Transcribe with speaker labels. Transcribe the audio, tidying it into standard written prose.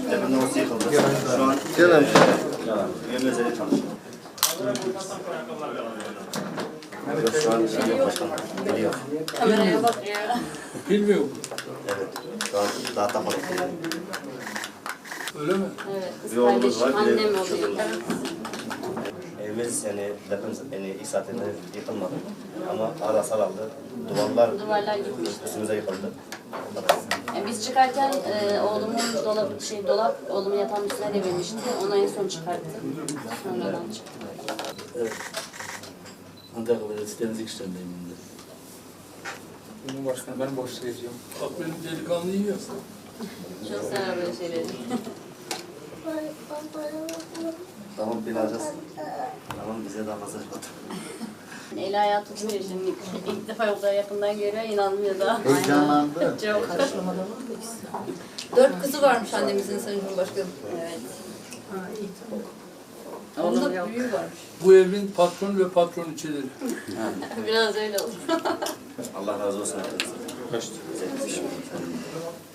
Speaker 1: Depremden nasıl yıkıldı? Şu an üyemiz öyle çalışıyor. Şu an başkan geliyor.
Speaker 2: Kameraya bakıyor.
Speaker 3: Bilmiyor mu?
Speaker 1: Evet. Şu an daha tapmadık.
Speaker 3: Öyle mi?
Speaker 2: Evet, kız
Speaker 1: Bir oğlumuz
Speaker 2: kardeşim
Speaker 1: var, bir de
Speaker 2: annem oluyor.
Speaker 1: çocuğumuz. Evimiz yani deprem ilk saatinde yıkılmadı. Ama ara sarıldı.
Speaker 2: Duvarlar gitmişti.
Speaker 1: Üstümüze yıkıldı.
Speaker 2: Yani biz çıkarken oğlumun dolap oğlumun yatağının üstüne devirmişti. Onu en son çıkarttı. Sonradan çıktı.
Speaker 3: Evet. Antakya Belediyesi Temizlik İşleri'ndeyim ben de.
Speaker 4: Cumhurbaşkanı ben boş vereceğim.
Speaker 3: Bak benim delikanlı yiyor.
Speaker 2: Çok sever böyle şeyleri.
Speaker 1: Tamam bileceğiz. Tamam bize daha fazla çıktı.
Speaker 2: Leyla hayatı tutuyor şimdi. İlk defa o kadar yakından görüyor, inanmıyor da.
Speaker 5: Heyecanlandı.
Speaker 2: Çok.
Speaker 6: 4 kızı varmış annemizin Sayın Cumhurbaşkanım.
Speaker 2: Evet.
Speaker 6: Onun da büyüğü varmış.
Speaker 3: Bu evin patron ve patroniçeleri.
Speaker 2: Biraz öyle oldu.
Speaker 1: Allah razı olsun. Kaçtı?